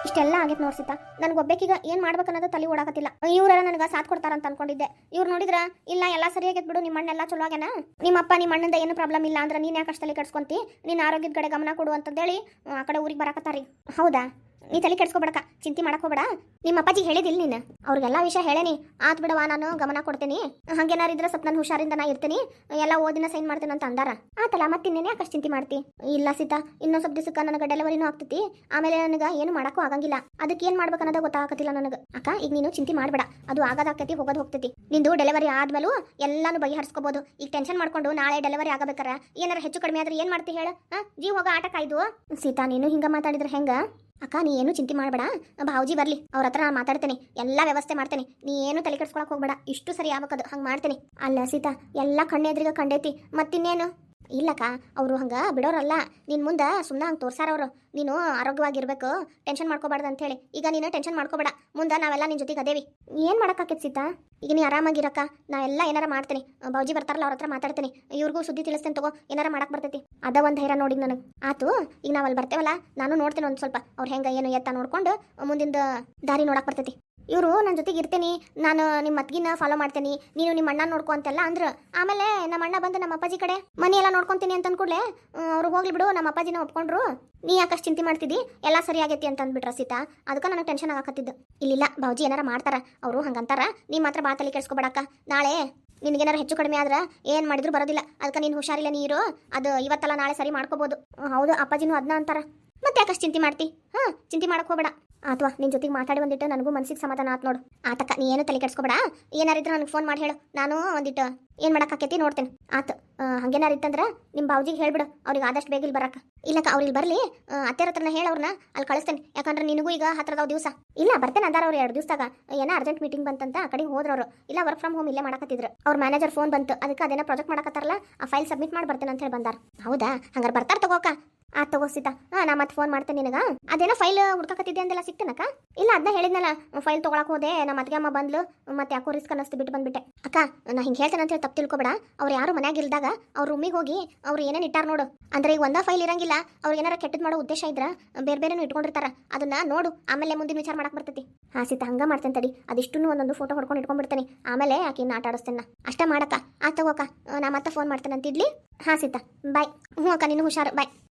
ಇಷ್ಟೆಲ್ಲ ಆಗೈತೆ ನೋಡ್ಸಿತ ನನಗೆ ಒಬ್ಬಾಕಿಗ ಏನು ಮಾಡ್ಬೇಕನ್ನೋದು ತಲೆ ಓಡಾಕತ್ತಿಲ್ಲ ಇವ್ರ ನನಗೆ ಸಾಥ್ ಕೊಡ್ತಾರಂತ ಅನ್ಕೊಂಡಿದ್ದೆ ಇವ್ರು ನೋಡಿದ್ರ ಇಲ್ಲ ಎಲ್ಲ ಸರಿಯಾಗೈತೆ ಬಿಡು ನಿಮ್ಮ ಅಣ್ಣೆಲ್ಲ ಚಲೋ ಆಗ್ಯಾನ ನಿಮ್ಮಪ್ಪ ನಿಮ್ಮ ಅಣ್ಣಂದ ಏನು ಪ್ರಾಬ್ಲಮ್ ಇಲ್ಲ ಅಂದ್ರೆ ನೀನು ಯಾಕೆ ಅಷ್ಟು ತಲೆ ಕೆಡ್ಸ್ಕೊಂತಿ ನೀನು ಆರೋಗ್ಯದ ಕಡೆ ಗಮನ ಕೊಡು ಅಂತಂದೇಳಿ ಆ ಕಡೆ ಊರಿಗೆ ಬರಾಕತ್ತಾರಿ ಹೌದಾ ನೀ ತಲೆ ಕೆಡ್ಸ್ಕೊಬೇಡಕ ಚಿಂತೆ ಮಾಡಕ್ ಹೋಗ್ಬೇಡ ನಿಮ್ಮ ಅಪ್ಪಾಜಿ ಹೇಳಿದಿಲ್ಲ ನೀನು ಅವ್ರಿಗೆಲ್ಲ ವಿಷಯ ಹೇಳೇನಿ ಆತ್ ಬಿಡವಾ ನಾನು ಗಮನ ಕೊಡ್ತೀನಿ ಹಂಗೇನಾರು ಇದ್ರೆ ಸ್ವಲ್ಪ ನಾನು ಹುಷಾರಿಂದ ನಾ ಇರ್ತೀನಿ ಎಲ್ಲ ಓದಿನ ಸೈನ್ ಮಾಡ್ತೀನಿ ಅಂತ ಅಂದಾರ ಆತಲ್ಲ ಮತ್ತಿನ್ನೇನೆ ಯಾಕಷ್ಟು ಚಿಂತೆ ಮಾಡ್ತಿ ಇಲ್ಲ ಸೀತಾ ಇನ್ನೊಂದು ಸ್ವಲ್ಪ ದಿವಸಕ್ಕೆ ನನಗೆ ಡೆಲಿವರಿನೂ ಆಗ್ತೈತಿ ಆಮೇಲೆ ನನಗೆ ಏನು ಮಾಡಕ್ಕೂ ಆಗಂಗಿಲ್ಲ ಅದಕ್ಕೆ ಏನು ಮಾಡ್ಬೇಕನ್ನೋದು ಗೊತ್ತಾಗತ್ತಿಲ್ಲ ನನಗೆ ಅಕ್ಕ ಈಗ ನೀನು ಚಿಂತೆ ಮಾಡಬೇಡ ಅದು ಆಗೋದಾಗ್ತೈತಿ ಹೋಗೋದು ಹೋಗ್ತೈತಿ ನಿಂದು ಡೆಲಿವರಿ ಆದ್ಮೇಲೂ ಎಲ್ಲಾನು ಬಗೆಹರಿಸ್ಕೋಬಹುದು ಈಗ ಟೆನ್ಷನ್ ಮಾಡ್ಕೊಂಡು ನಾಳೆ ಡೆಲಿವರಿ ಆಗಬೇಕಾರ ಏನಾರ ಹೆಚ್ಚು ಕಡಿಮೆ ಆದ್ರೆ ಏನು ಮಾಡ್ತಿ ಹೇಳು ಹಾ ಜೀವ ಹೋಗೋ ಆಟ ಕಾಯ್ದು ಸೀತಾ ನೀನು ಹಿಂಗ ಮಾತಾಡಿದ್ರೆ ಹೆಂಗ ಅಕ್ಕ ನೀ ಏನು ಚಿಂತೆ ಮಾಡಬೇಡ ಭಾವಜಿ ಬರಲಿ ಅವ್ರ ಹತ್ರ ನಾನು ಮಾತಾಡ್ತೀನಿ ಎಲ್ಲ ವ್ಯವಸ್ಥೆ ಮಾಡ್ತೀನಿ ನೀ ಏನು ತಲೆ ಕೆಡ್ಸ್ಕೊಳಕ್ ಹೋಗ್ಬೇಡ ಇಷ್ಟು ಸರಿ ಆಗ್ಬೇಕದು ಹಂಗೆ ಮಾಡ್ತೀನಿ ಅಲ್ಲ ಸೀತಾ ಎಲ್ಲ ಕಣ್ಣೆದ್ರಿಗೆ ಕಂಡೈತಿ ಮತ್ತಿನ್ನೇನು ಇಲ್ಲಕ್ಕ ಅವರು ಹಂಗೆ ಬಿಡೋರಲ್ಲ ನಿನ್ನ ಮುಂದೆ ಸುಮ್ಮನೆ ಹಂಗೆ ತೋರ್ಸಾರವ್ರು ನೀನು ಆರೋಗ್ಯವಾಗಿರ್ಬೇಕು ಟೆನ್ಷನ್ ಮಾಡ್ಕೋಬಾರ್ದು ಅಂತ ಹೇಳಿ ಈಗ ನೀನು ಟೆನ್ಷನ್ ಮಾಡ್ಕೋಬೇಡ ಮುಂದೆ ನಾವೆಲ್ಲ ನಿನ್ನ ಜೊತೆಗೆ ಅದೇವಿ ಏನು ಮಾಡೋಕ್ಕಾಕೈತೆ ಸೀತಾ ಈಗ ನೀ ಆರಾಮಾಗಿರಕ್ಕ ನಾ ಎಲ್ಲ ಏನಾರ ಮಾಡ್ತೀನಿ ಬಾವುಜಿ ಬರ್ತಾರಲ್ಲ ಅವ್ರ ಹತ್ರ ಮಾತಾಡ್ತೀನಿ ಇವ್ರಿಗೂ ಸುದ್ದಿ ತಿಳಿಸ್ತೇನೆ ತಗೋ ಏನಾರ ಮಾಡಕ್ಕೆ ಬರ್ತೈತಿ ಅದ ಒಂದು ಧೈರ್ಯ ನೋಡಿ ನನಗೆ ಆತು ಈಗ ನಾವು ಅಲ್ಲಿ ಬರ್ತೇವಲ್ಲ ನಾನು ನೋಡ್ತೀನಿ ಒಂದು ಸ್ವಲ್ಪ ಅವ್ರು ಹೆಂಗೆ ಏನು ಎತ್ತ ನೋಡ್ಕೊಂಡು ಮುಂದಿನ ದಾರಿ ನೋಡಕ್ಕೆ ಬರ್ತೈತಿ ಇವರು ನನ್ನ ಜೊತೆಗೆ ಇರ್ತೀನಿ ನಾನು ನಿಮ್ಮ ಮತ್ಗಿನ ಫಾಲೋ ಮಾಡ್ತೀನಿ ನೀನು ನಿಮ್ಮ ಅಣ್ಣ ನೋಡ್ಕೊ ಅಂತೆಲ್ಲ ಅಂದ್ರೆ ಆಮೇಲೆ ನಮ್ಮ ಅಣ್ಣ ಬಂದು ನಮ್ಮ ಅಪ್ಪಾಜಿ ಕಡೆ ಮನೆ ಎಲ್ಲ ನೋಡ್ಕೊಂತೀನಿ ಅಂತ ಅಂದ್ಕೂಡ್ಲೆ ಅವ್ರು ಹೋಗ್ಲಿ ಬಿಡು ನಮ್ಮ ಅಪ್ಪಾಜಿನ ಒಪ್ಕೊಂಡ್ರು ನೀ ಯಾಕಷ್ಟು ಚಿಂತೆ ಮಾಡ್ತಿದ್ದಿ ಎಲ್ಲ ಸರಿ ಆಗೈತಿ ಅಂತ ಅಂದ್ಬಿಟ್ರ ಸೀತಾ ಅದಕ್ಕೆ ನನಗೆ ಟೆನ್ಷನ್ ಆಗಕತ್ತಿದ್ದು ಇಲ್ಲಿಲ್ಲ ಬಾವುಜಿ ಏನಾರ ಮಾಡ್ತಾರ ಅವರು ಹಂಗಂತಾರ ನೀ ಮಾತ್ರ ಬಾ ತಲೆ ಕೆಡ್ಸ್ಕೊಬೇಡಕ್ಕ ನಾಳೆ ನಿನಗೇನಾರು ಹೆಚ್ಚು ಕಡಿಮೆ ಆದ್ರೆ ಏನು ಮಾಡಿದ್ರು ಬರೋದಿಲ್ಲ ಅದಕ್ಕೆ ನೀನು ಹುಷಾರಿಲ್ಲ ನೀರು ಅದು ಇವತ್ತಲ್ಲ ನಾಳೆ ಸರಿ ಮಾಡ್ಕೋಬೋದು ಹೌದು ಅಪ್ಪಾಜಿನೂ ಅದನ್ನ ಅಂತಾರ ಮತ್ತೆ ಯಾಕಷ್ಟು ಚಿಂತೆ ಮಾಡ್ತಿ ಹಾಂ ಚಿಂತೆ ಮಾಡಕ್ ಹೋಗ್ಬೇಡ ಅಥವಾ ನಿನ್ನ ಜೊತೆಗೆ ಮಾತಾಡಿ ಒಂದಿಟ್ಟು ನನಗೂ ಮನಸ್ಸಿಗೆ ಸಮಾಧಾನ ಆತ್ ನೋಡು ಆತಕ್ಕ ನೀ ಏನು ತಲೆ ಕೆಡ್ಸ್ಕೊಬೇಡ ಏನಾರಿದ್ರೆ ನನಗೆ ಫೋನ್ ಮಾಡಿ ಹೇಳು ನಾನು ಒಂದಿಟ್ಟು ಏನು ಮಾಡಕ್ಕಾಕೈತಿ ನೋಡ್ತೇನೆ ಆತು ಹಂಗೇನಾರು ಇತ್ತಂದ್ರೆ ನಿಮ್ಮ ಬಾವುಜಿಗೆ ಹೇಳ್ಬಿಡು ಅವ್ರಿಗೆ ಆದಷ್ಟು ಬೇಗ ಇಲ್ಲಿ ಬರಕ್ಕೆ ಇಲ್ಲಕ್ಕ ಅವ್ರು ಇಲ್ಲಿ ಬರಲಿ ಅತ್ತೆರ ಹತ್ರನ ಹೇಳಿ ಅವ್ರನ್ನ ಅಲ್ಲಿ ಕಳಿಸ್ತೇನೆ ಯಾಕಂದ್ರೆ ನಿನಗೂ ಈಗ ಹತ್ರದವ್ ದಿವಸ ಇಲ್ಲ ಬರ್ತೇನೆ ಅಂದಾರ ಅವ್ರು ಎರಡು ದಿವಸದಾಗ ಏನೋ ಅರ್ಜೆಂಟ್ ಮೀಟಿಂಗ್ ಬಂತಂತ ಆ ಕಡೆಗೆ ಹೋದ್ರವ್ರು ಇಲ್ಲ ವರ್ಕ್ ಫ್ರಮ್ ಹೋಮ್ ಇಲ್ಲೇ ಮಾಡಕತ್ತಿದ್ರು ಅವ್ರ ಮ್ಯಾನೇಜರ್ ಫೋನ್ ಬಂತು ಅದಕ್ಕೆ ಅದೇನೋ ಪ್ರಾಜೆಕ್ಟ್ ಮಾಡಕತ್ತಾರಲ್ಲ ಆ ಫೈಲ್ ಸಬ್ಮಿಟ್ ಮಾಡಿ ಬರ್ತೇನೆ ಅಂತ ಹೇಳಿ ಬಂದಾರ ಹೌದಾ ಹಂಗಾರೆ ಬರ್ತಾರೆ ತಗೋಕ ಆ ತಗೋ ಸೀತಾ ಹಾಂ ನಾ ಮತ್ತೆ ಫೋನ್ ಮಾಡ್ತೇನೆ ನಿನಗ ಅದೇನೋ ಫೈಲ್ ಹುಡ್ಕಕತ್ತಿದ್ದೆ ಅಂದೆಲ್ಲ ಸಿಗ್ತೇನಕ್ಕ ಇಲ್ಲ ಅದನ್ನ ಹೇಳಿದ್ನಲ್ಲ ಫೈಲ್ ತೊಗೊಳಕ್ ಹೋದೆ ನಮ್ಮ ಅತ್ತಿಗೆ ಅಮ್ಮ ಬಂದ್ಲು ಮತ್ತೆ ಯಾಕೋ ರಿಸ್ಕ್ ಅನ್ನಿಸ್ತು ಬಿಟ್ಟು ಬಂದ್ಬಿಟ್ಟೆ ಅಕ್ಕ ನಾ ಹಿಂಗೆ ಹೇಳ್ತೇನೆ ಅಂತ ಹೇಳಿ ತಪ್ಪು ತಿಳ್ಕೊಬೇಡ ಅವ್ರು ಯಾರು ಮನ್ಯಾಗ ಇಲ್ದಾಗ ಅವ್ರ ರೂಮಿಗೆ ಹೋಗಿ ಅವ್ರು ಏನೇನು ಇಟ್ಟಾರ ನೋಡು ಅಂದ್ರೆ ಈಗ ಒಂದೇ ಫೈಲ್ ಇರಂಗಿಲ್ಲ ಅವ್ರಿಗೆ ಏನಾರ ಕೆಟ್ಟದ್ ಮಾಡೋ ಉದ್ದೇಶ ಇದ್ರ ಬೇರೆ ಬೇರೆನೂ ಇಟ್ಕೊಂಡಿರ್ತಾರ ಅದನ್ನ ನೋಡು ಆಮೇಲೆ ಮುಂದಿನ ವಿಚಾರ ಮಾಡಕ್ ಬರ್ತೈತಿ ಹಾಂ ಸೀತಾ ಹಂಗ ಮಾಡ್ತೇನೆ ತಡಿ ಅದಿಷ್ಟು ಒಂದೊಂದು ಫೋಟೋ ಹೊಡ್ಕೊಂಡು ಇಟ್ಕೊಂಡ್ಬಿಡ್ತೇನೆ ಆಮೇಲೆ ಆಕಿನ ಆಟ ಆಡಿಸ್ತೇನೆ ಅಷ್ಟೇ ಮಾಡಕ್ಕ ಆ ತಗೋಕ ನಾ ಮತ್ತೆ ಫೋನ್ ಮಾಡ್ತೇನೆ ಅಂತಿಡ್ಲಿ ಹಾಂ ಸೀತಾ ಬಾಯ್ ಹ್ಞೂ ಅಕ್ಕ ನೀನು ಹುಷಾರು ಬಾಯ್